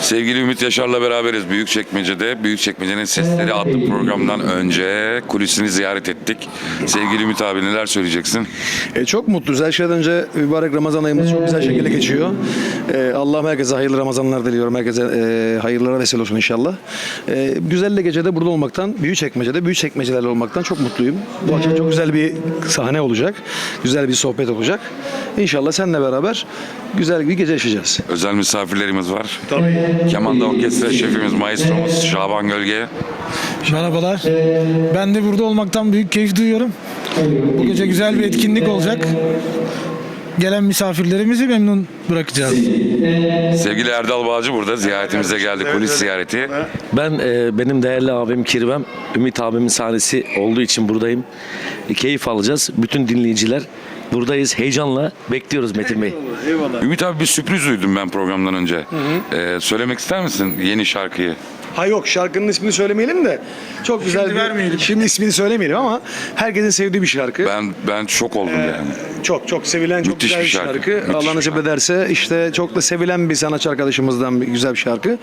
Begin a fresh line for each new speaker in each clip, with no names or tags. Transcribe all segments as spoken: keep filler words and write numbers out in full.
Sevgili Ümit Yaşar'la beraberiz Büyükçekmece'de. Büyükçekmece'nin Sesleri adlı programdan önce kulisini ziyaret ettik. Sevgili Ümit abi neler söyleyeceksin?
E, çok mutluyuz. Her şeyden önce mübarek Ramazan ayımız çok güzel şekilde geçiyor. E, Allah'ım herkese hayırlı Ramazanlar diliyorum. Herkese e, hayırlara vesile olsun inşallah. E, güzel de gecede burada olmaktan, Büyükçekmece'de, Büyükçekmecelerle olmaktan çok mutluyum. Bu akşam çok güzel bir sahne olacak. Güzel bir sohbet olacak. İnşallah seninle beraber güzel bir gece yaşayacağız.
Özel misafirlerimiz var.
Tabii.
Kemanda Orkestra şefimiz, maestromuz Şaban Gölge.
Merhabalar. Ben de burada olmaktan büyük keyif duyuyorum. Bu gece güzel bir etkinlik olacak. Gelen misafirlerimizi memnun bırakacağız.
Sevgili Erdal Bağcı burada ziyaretimize geldi. Kulis ziyareti.
Ben e, benim değerli abim Kirvem, Ümit abimin sahnesi olduğu için buradayım. E, keyif alacağız. Bütün dinleyiciler buradayız. Heyecanla bekliyoruz Metin Bey.
Ümit abi bir sürpriz duydum ben programdan önce. Ee, söylemek ister misin yeni şarkıyı?
Ha yok, şarkının ismini söylemeyelim de çok güzel
Şimdi
bir,
vermeyelim.
Şimdi ismini söylemeyelim ama herkesin sevdiği bir şarkı.
Ben ben şok oldum yani.
Çok çok sevilen, çok
Müthiş
güzel bir
bir şarkı.
şarkı.
Müthiş
Allah
bir
nasip
şarkı.
ederse işte çok da sevilen bir sanatçı arkadaşımızdan bir güzel bir şarkı.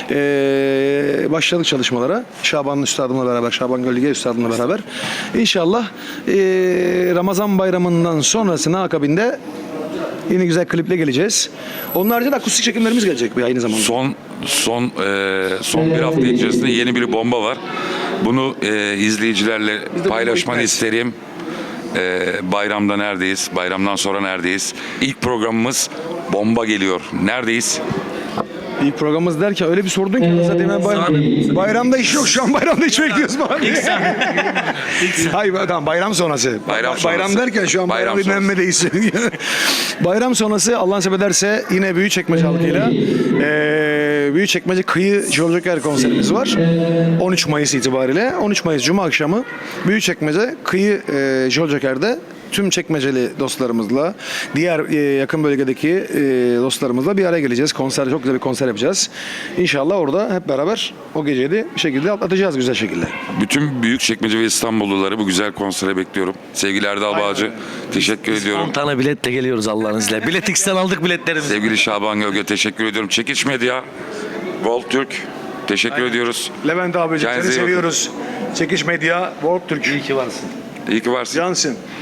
Ee, başladık çalışmalara. Şaban Üstadım'la beraber, Şaban Gölge Üstadım'la beraber. İnşallah ee, Ramazan bayramından sonrasına akabinde yine güzel kliple geleceğiz. Onun haricinde akustik çekimlerimiz gelecek bir aynı zamanda.
Son son e, son bir hafta içerisinde yeni bir bomba var. Bunu e, izleyicilerle
de
paylaşmanı
bomba
isterim. E, bayramda neredeyiz? Bayramdan sonra neredeyiz? İlk programımız bomba geliyor. Neredeyiz?
İlk programımız derken öyle bir sordun ki zaten ben bayram, bayramda iş yok, şu an bayramda iş bekliyoruz mu abi? Hayır tamam, bayram sonrası.
Bayram
Ba- bayram
sonrası.
derken şu an
Bayram
bayram
sonrası.
dinlenmedeyiz. Bayram sonrası Allah nasip ederse yine Büyükçekmece halkıyla eee Büyükçekmece Kıyı Joker konserimiz var. on üç Mayıs itibariyle. on üç Mayıs Cuma akşamı Büyükçekmece Kıyı eee Joker'de tüm çekmeceli dostlarımızla, diğer e, yakın bölgedeki e, dostlarımızla bir araya geleceğiz. Konser, çok güzel bir konser yapacağız. İnşallah orada hep beraber o geceyi de bir şekilde atlatacağız güzel şekilde.
Bütün Büyükçekmece ve İstanbulluları bu güzel konsere bekliyorum. Sevgili Erdal Bağcı, teşekkür ediyorum.
on tane biletle geliyoruz Allah'ın izniyle. Bilet X'ten aldık biletlerimizi.
Sevgili Şaban Gölge teşekkür ediyorum. Çekiç Medya, Volt Türk teşekkür ediyoruz.
Levent abicim
Kendinize
seni
iyi bakın.
seviyoruz. Çekiş Medya, World Türk.
İyi ki varsın.
İyi ki varsın.
Cansın.